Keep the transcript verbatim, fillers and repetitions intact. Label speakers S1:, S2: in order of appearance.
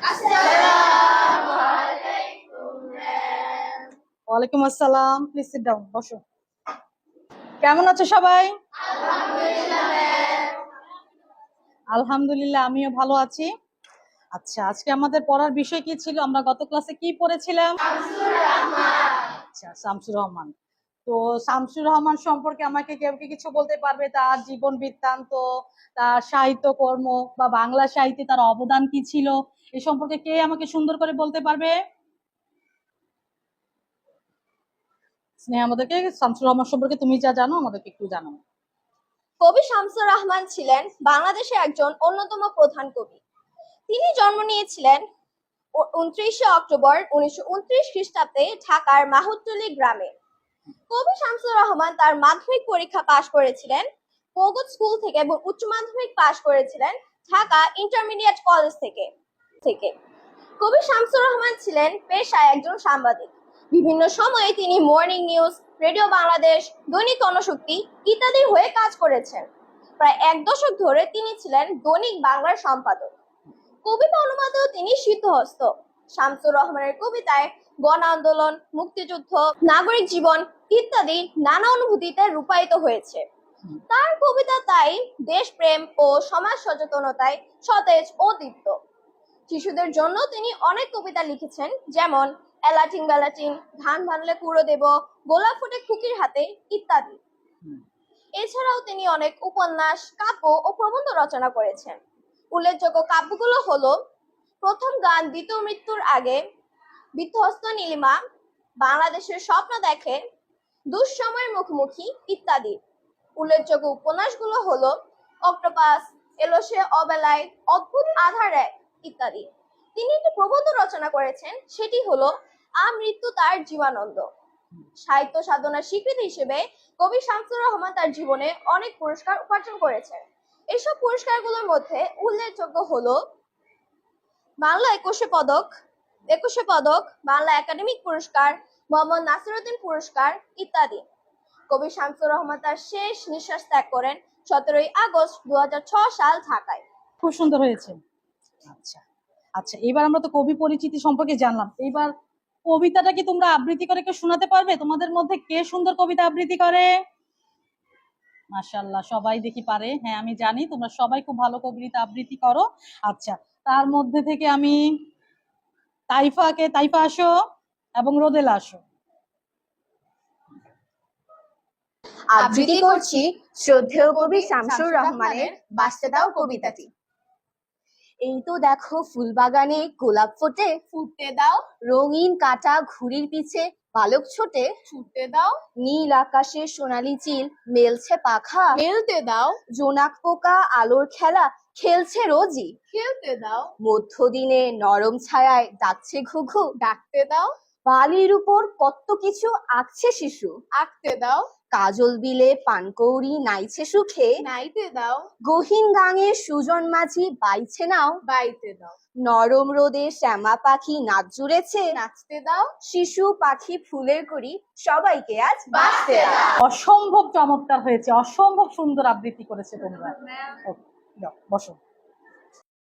S1: ওয়ালাইকুম আসসালাম। Please sit down, বসো। কেমন আছো সবাই? আলহামদুলিল্লাহ, আমিও ভালো আছি। আচ্ছা, আজকে আমাদের পড়ার বিষয় কি ছিল? আমরা গত ক্লাসে কি পড়েছিলাম? আচ্ছা, শামসুর রহমান। তো শামসুর রহমান সম্পর্কে আমাকে কেউ কি কিছু বলতে পারবে? তার জীবন বৃত্তান্ত, তার সাহিত্য কর্ম বা বাংলা সাহিত্যে তার অবদান কি ছিল, এ সম্পর্কে কে আমাকে সুন্দর করে বলতে পারবে? স্নেহা, আমাদেরকে শামসুর রহমান সম্পর্কে তুমি যা জানো আমাদেরকে একটু জানাও।
S2: কবি শামসুর রহমান ছিলেন বাংলাদেশের একজন অন্যতম প্রধান কবি। তিনি জন্ম নিয়েছিলেন উনত্রিশে অক্টোবর উনিশশো উনত্রিশ খ্রিস্টাব্দে ঢাকার মাহুতটুলি গ্রামে। কবি শামসুর রহমান তার মাধ্যমিক পরীক্ষা পাশ করেছিলেন পগত স্কুল থেকে এবং উচ্চ মাধ্যমিক পাশ করেছিলেন ঢাকা ইন্টারমিডিয়েট কলেজ থেকে থেকে কবি শামসুর রহমান ছিলেন পেশায় একজন সাংবাদিক। বিভিন্ন সময়ে তিনি মর্নিং নিউজ, রেডিও বাংলাদেশ, দৈনিক গণশক্তি ইত্যাদির হয়ে কাজ করেছেন। প্রায় এক দশক ধরে তিনি ছিলেন দৈনিক বাংলার সম্পাদক। কবিতা অনুবাদেও তিনি সিদ্ধহস্ত। শামসুর রহমানের কবিতায় গণ আন্দোলন, মুক্তিযুদ্ধ, নাগরিক জীবন ইত্যাদি নানা অনুভূতিতে রূপায়িত হয়েছে। তার কবিতা তাই দেশপ্রেম ও সমাজ সচেতনতায় সতেজ ও দীপ্ত। শিশুদের জন্য তিনি অনেক কবিতা লিখেছেন, যেমন এলাটিং বেলাটিং, ধান ভানলে কুড়ো দেব, গোলাপ ফুটে খুকির হাতে ইত্যাদি। এছাড়াও তিনি অনেক উপন্যাস, কাব্য ও প্রবন্ধ রচনা করেছেন। উল্লেখযোগ্য কাব্যগুলো হলো প্রথম গান, দ্বিতীয় মৃত্যুর আগে, বিধ্বস্ত নীলিমা, বাংলাদেশের স্বপ্ন দেখে, দুঃসময়ের মুখোমুখি ইত্যাদি। উল্লেখযোগ্য উপন্যাসগুলো হলো অক্টোপাস, এলো সে অবেলায়, অদ্ভুত আধার এক ইত্যাদি। তিনি একটি প্রবন্ধ রচনা করেছেন, সেটি হলো আমৃত্যু তার জীবনানন্দ। সাহিত্য সাধনার স্বীকৃতি হিসেবে কবি শামসুর রহমান তার জীবনে অনেক পুরস্কার উপার্জন করেছেন। এসব পুরস্কারগুলোর মধ্যে উল্লেখযোগ্য হলো বাংলা একুশে পদক, একুশে পদক, বাংলা একাডেমিক পুরস্কার, মোহাম্মদ নাসিরউদ্দিন পুরস্কার ইত্যাদি। কবি শামসুর রহমান তার শেষ নিঃশ্বাস ত্যাগ করেন সতেরোই আগস্ট দু হাজার ছয় সাল ঢাকায়।
S1: খুব সুন্দর হয়েছে। আচ্ছা আচ্ছা, এবার আমরা তো কবি পরিচিতি সম্পর্কে জানলাম। এবার কবিতাটা কি তোমরা আবৃত্তি করে কেউ শোনাতে পারবে? তোমাদের মধ্যে কে সুন্দর কবিতা আবৃত্তি করে? মাশাআল্লাহ, সবাই দেখি পারে। হ্যাঁ, আমি জানি তোমরা সবাই খুব ভালো কবিতা আবৃত্তি করো। আচ্ছা, তার মধ্যে থেকে আমি তাইফাকে, তাইফা আসো, এবং রোদেলা আসো।
S3: আবৃত্তি করছি শ্রদ্ধেয় কবি শামসুর রহমানের বাঁচতে দাও কবিতাটি। এই তো দেখো ফুল বাগানে গোলাপ ফোটে,
S2: ফুটতে দাও,
S3: রঙিন কাঁটা ঘুড়ির পিছে বালক ছোটে,
S2: ছুটতে দাও,
S3: নীল আকাশে সোনালি চিল মেলছে পাখা,
S2: মেলতে দাও,
S3: জোনাক পোকা আলোর খেলা খেলছে রোজই,
S2: খেলতে দাও,
S3: মধ্যদিনে নরম ছায়ায় ডাকছে ঘুঘু,
S2: ডাকতে দাও,
S3: বালির উপর কত কিছু আঁকছে শিশু,
S2: আঁকতে দাও,
S3: কাজল বিলে পানকৌড়ি নাইছে সুখে,
S2: নাইতে দাও,
S3: গহীন গাঙে সুজন মাঝি বাইছে নাও,
S2: বাইতে দাও,
S3: নরম রোদে শ্যামা পাখি নাচ জুড়েছে,
S2: নাচতে দাও,
S3: শিশু পাখি ফুলের করি সবাইকে আজ বাঁচতে দাও।
S1: অসম্ভব চমৎকার হয়েছে, অসম্ভব সুন্দর আবৃত্তি করেছে তোমরা। ওকে, যাও, বসো।